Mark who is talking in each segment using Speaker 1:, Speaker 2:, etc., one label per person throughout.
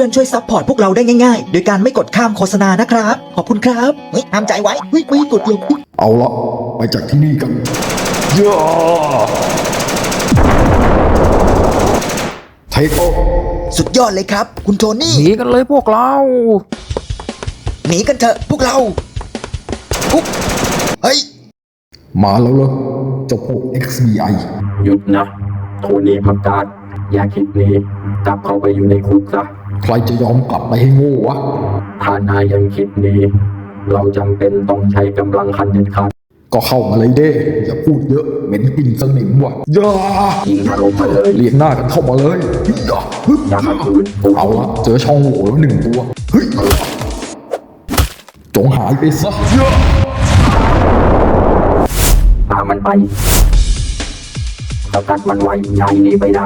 Speaker 1: พื่อนๆช่วยซัพพอร์ตพวกเราได้ง่ายๆโดยการไม่กดข้ามโฆษณานะครับขอบคุณครับเฮ้ยห้ามใจไว้เฮ้ยไม่กดลง
Speaker 2: เอาละไปจากที่นี่กันย่าเทโก
Speaker 1: สุดยอดเลยครับคุณโทนี่
Speaker 3: หนีกันเลยพวกเรา
Speaker 1: หนีกันเถอะพวกเราปุ๊บเฮ้ย
Speaker 2: มาแล้วเหรอเจ้าพวก XBI
Speaker 4: หยุดนะโทนี่ผักกาดอย่าคิดหนีกลับเข้าไปอยู่ในคุกซะ
Speaker 2: ใครจะยอมกลับไปให้โง่วะ
Speaker 4: ถ้านายยังคิดหนีเราจำเป็นต้องใช้กำลังขั้นเด็ดขาด
Speaker 2: ก็เข้ามาเลยเด้อย่าพูดเยอะเหม็นกลิ่นสนิมว่ะย่า
Speaker 4: ยิงถล่มมาเลย
Speaker 2: เรียงหน้ากันเข้ามาเลยย่า
Speaker 4: อย่าขัดขืน
Speaker 2: เอาละเจอช่องโหว่แล้วหนึ่งตัวเฮ้ยจงหายไปซะย่า
Speaker 4: พามันไปสกัดมันไว้อย่าให้หนีไปได้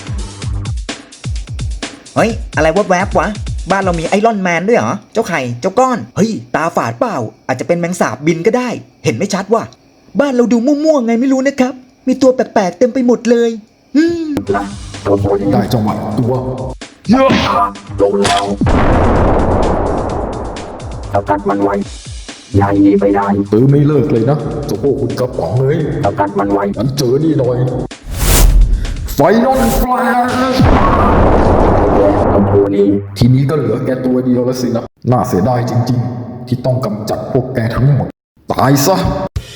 Speaker 1: เฮ้ยอะไรแวบๆวะบ้านเรามีไอรอนแมนด้วยเหรอเจ้าไข่เจ้าก้อนเฮ้ยตาฝาดเปล่าอาจจะเป็นแมงสาบบินก็ได้เห็นไม่ชัดว่ะบ้านเราดูมั่วๆไงไม่รู้นะครับมีตัวแปลกๆเต็มไปหมดเลย
Speaker 4: ละตัวโทนี่
Speaker 2: ได้จังหวะตัว
Speaker 4: ลงแล้วสกัดมันไว้อย่าให้หนีไปได้
Speaker 2: ตื้อไม่เลิกเลยนะเจ้าพวกคุณกระป๋องเลย
Speaker 4: สกัดมันไว้
Speaker 2: งั้นเจอนี่หน่อยไฟนอลแฟลช
Speaker 4: ตัวโทนี่
Speaker 2: ทีนี้ก็เหลือแกตัวเดียวแล้วสินะ น่าเสียดายจริงๆ ที่ต้องกำจัดพวกแกทั้งหมด ตายซะ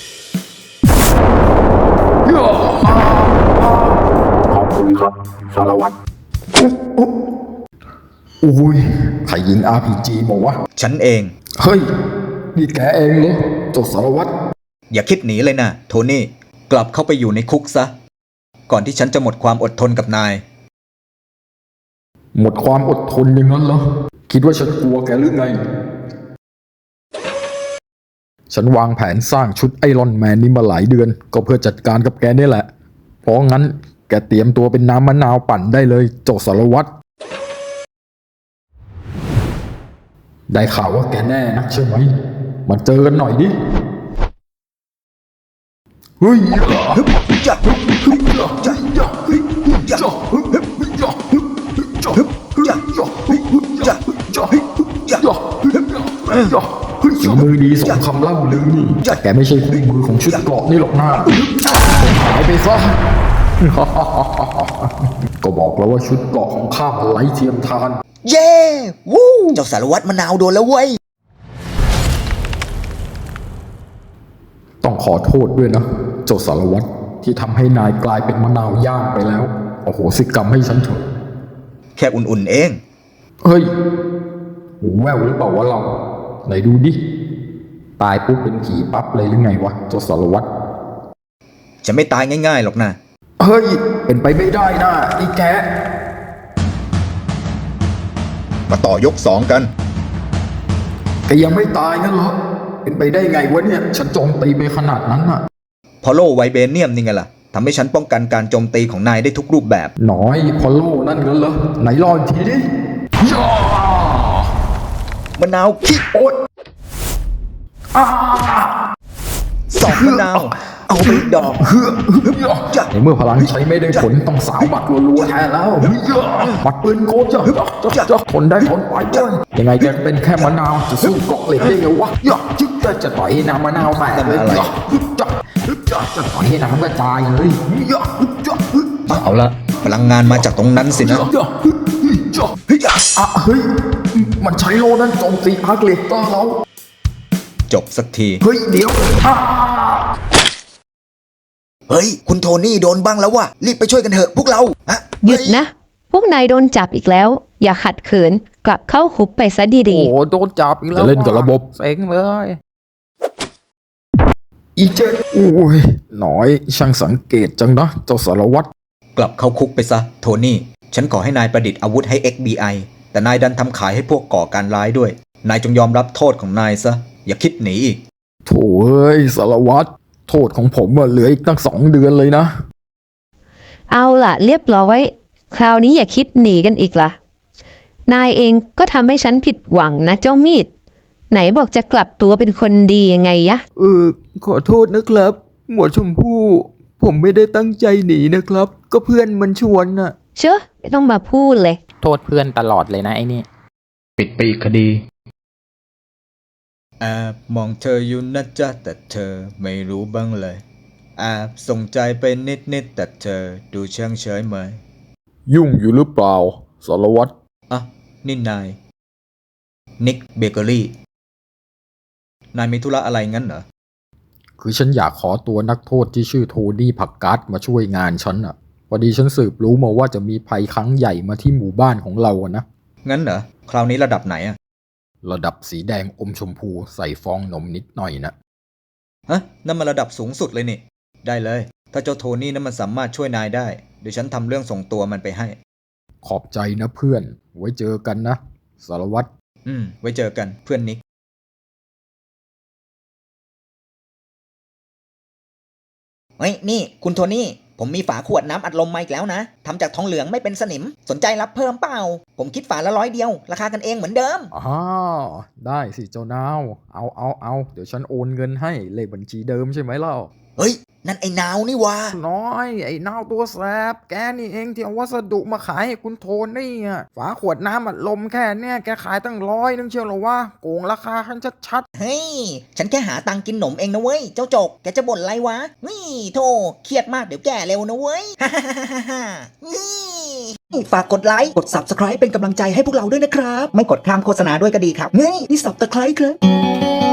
Speaker 4: ขอบคุณครับสารวัตร
Speaker 2: อุ้ยใครยิง RPG มาวะ
Speaker 1: ฉันเอง
Speaker 2: เฮ้ย นี่แกเองเหรอเจ้าสารวัตร
Speaker 1: อย่าคิดหนีเลยนะโทนี่กลับเข้าไปอยู่ในคุกซะก่อนที่ฉันจะหมดความอดทนกับนาย
Speaker 2: หมดความอดทนอย่างนั้นเหรอ คิดว่าฉันกลัวแกหรือไง ฉันวางแผนสร้างชุดไอรอนแมนนี้มาหลายเดือน ก็เพื่อจัดการกับแกนี่แหละ เพราะงั้นแกเตรียมตัวเป็นน้ำมะนาวปั่นได้เลยเจ้าสารวัตร ได้ข่าวว่าแกแน่นะใช่ไหมมาเจอกันหน่อยดิ เฮ้ย
Speaker 1: จะจะจะจะจะ
Speaker 2: ฝีมือดีสมคำเล่าลือนี่แต่แกไม่ใช่คู่มือของชุดเกราะนี่หรอกนะหายไปซะ ก็บอกแล้วว่าชุดเกราะของข้ามันไร้เทียมทาน
Speaker 1: เย้วู้เจ้าสารวัตรมะนาวโดนแล้วเว้ย
Speaker 2: ต้องขอโทษด้วยนะเจ้าสารวัตรที่ทำให้นายกลายเป็นมะนาวย่างไปแล้วโอ้โหสิกรรมให้ฉันเถอะ
Speaker 1: แค่อุ่นๆเอง
Speaker 2: เฮ้ยหูแว่วหรือเปล่าวะเราไหนดูดิตายปุ๊บเป็นผีปั๊บเลยหรือไงวะเจ้าสารวัตร
Speaker 1: จะไม่ตายง่ายๆหรอกนะ
Speaker 2: เฮ้ยเป็นไปไม่ได้นะไอ้แก
Speaker 1: มาต่อยก2กัน
Speaker 2: แกยังไม่ตายงั้นเหรอเป็นไปได้ไงวะเนี่ยฉันโจมตีไปขนาดนั้นน่ะ
Speaker 1: พอโลไวเบเนียมนี่ไงล่ะทำให้ฉันป้องกันการโจมตีของนายได้ทุกรูปแบบ
Speaker 2: น้อยพอลโลนั่นงั้นเหรอไหนรออีกทีดิย่าม
Speaker 1: ะนาวขี้โอ๊ตสองมะนาวเอาไปดอกจะ
Speaker 2: ในเมื่อพลังใช้ไม่ได้ผลต้องสาวบัตรรัวๆแทนแล้วบัตรปืนโกนจะทนได้ทนไปยังไงจะเป็นแค่มะนาวจะสู้เกาะเหล็กได้ไงวะจึ๊กจะต่อยให้น้ำมะนาวแตกเลยจะต่อยให้น้ำกระจายเลย
Speaker 1: เอาละพลังงานมาจากตรงนั้นสินะ
Speaker 2: เฮ้ยมันใช้โลนั้นโจมตีอาร์เกเลเตอร์เรา
Speaker 1: จบสักที
Speaker 2: เฮ้ยเดี๋ยว
Speaker 1: เฮ้ยคุณโทนี่โดนบ้างแล้วว่ะรีบไปช่วยกันเถอะพวกเราฮะ
Speaker 5: หยุดนะ พวกนายโดนจับอีกแล้ว อย่าขัดขืน กลับเข้าคุกไปซะดี
Speaker 3: โอ้โหโดนจับอีกแล้ว
Speaker 2: จะเล่นกับระบบ
Speaker 3: เซ็งเลย
Speaker 2: อีเจ็ดโอ้ยหน่อยช่างสังเกตจังนะเจ้าสารวัตร
Speaker 1: กลับเข้าคุกไปซะโทนี่ฉันขอให้นายประดิษฐ์อาวุธให้ XBI แต่นายดันทำขายให้พวกก่อการร้ายด้วยนายจงยอมรับโทษของนายซะอย่าคิดหนีอีก
Speaker 2: โถ่เอ้ยสารวัตรโทษของผมเหลืออีกตั้ง2 เดือนเลยนะ
Speaker 5: ๆ เอาล่ะ เรียบร้อย คราวนี้อย่าคิดหนีกันอีกล่ะ นายเองก็ทำให้ฉันผิดหวังนะเจ้ามีด ไหนบอกจะกลับตัวเป็นคนดียังไงยะ
Speaker 3: ขอโทษนะครับ หมวดชมพู่ผมไม่ได้ตั้งใจหนีนะครับ ก็เพื่อนมันชวนน่ะ
Speaker 5: เชอะไม่ต้องมาพูดเลย
Speaker 2: โทษเพื่อนตลอดเลยนะไอ้นี่
Speaker 3: ปิดไปอีกคดี
Speaker 1: แอบมองเธออยู่นะจ๊ะแต่เธอไม่รู้บ้างเลยแอบส่งใจไปนิดแต่เธอดูเชิงเฉยเมย
Speaker 2: ยุ่งอยู่หรือเปล่าสารวัตร
Speaker 1: อ่ะนี่นายนิกเบเกอรี่นายมีธุระอะไรงั้นเหรอ
Speaker 2: คือฉันอยากขอตัวนักโทษที่ชื่อโทนี่ผักกาดมาช่วยงานฉันอ่ะพอดีฉันสืบรู้มาว่าจะมีภัยครั้งใหญ่มาที่หมู่บ้านของเราอะนะ
Speaker 1: งั้นเหรอคราวนี้ระดับไหนอะ
Speaker 2: ระดับสีแดงอมชมพูใส่ฟองนมนิดหน่อยนะ
Speaker 1: ฮะนั่นมันระดับสูงสุดเลยนี่ ได้เลย ถ้าเจ้าโทนี่นั้นมันสามารถช่วยนายได้เดี๋ยวฉันทำเรื่องส่งตัวมันไปให้
Speaker 2: ขอบใจนะเพื่อน ไว้เจอกันนะสารวัตร
Speaker 1: ไว้เจอกันเพื่อนนิกเฮ้ยนี่คุณโทนี่ผมมีฝาขวดน้ำอัดลมมาอีกแล้วนะทำจากทองเหลืองไม่เป็นสนิมสนใจรับเพิ่มเปล่าผมคิดฝาละ100 เดียวราคากันเองเหมือนเดิม
Speaker 2: อ๋อได้สิเจ้านาวเอาเดี๋ยวฉันโอนเงินให้เลขบัญชีเดิมใช่ไหมเล่า
Speaker 1: เฮ้ยนั่นไอ้นาวนี่วะ
Speaker 3: น้อยไอ้นาวตัวแสบแกนี่เองที่เอาวัสดุมาขายให้คุณโทนี่อ่ะฝาขวดน้ำอัดลมแค่เนี่ยแกขายตั้ง100 นึงเชียวเหรอวะโกงราคาคันชัด
Speaker 1: เฮ้ยฉันแค่หาตังค์กินหนมเองนะเว้ยเจ้าจกแกจะบ่นอะไรวะนี่โธ่เครียดมากเดี๋ยวแก่เร็วนะเว้ย นี่ฝากกดไลค์กด Subscribe เป็นกำลังใจให้พวกเราด้วยนะครับ ไม่กดข้ามโฆษณาด้วยก็ดีครับนี่Subscribe ครับ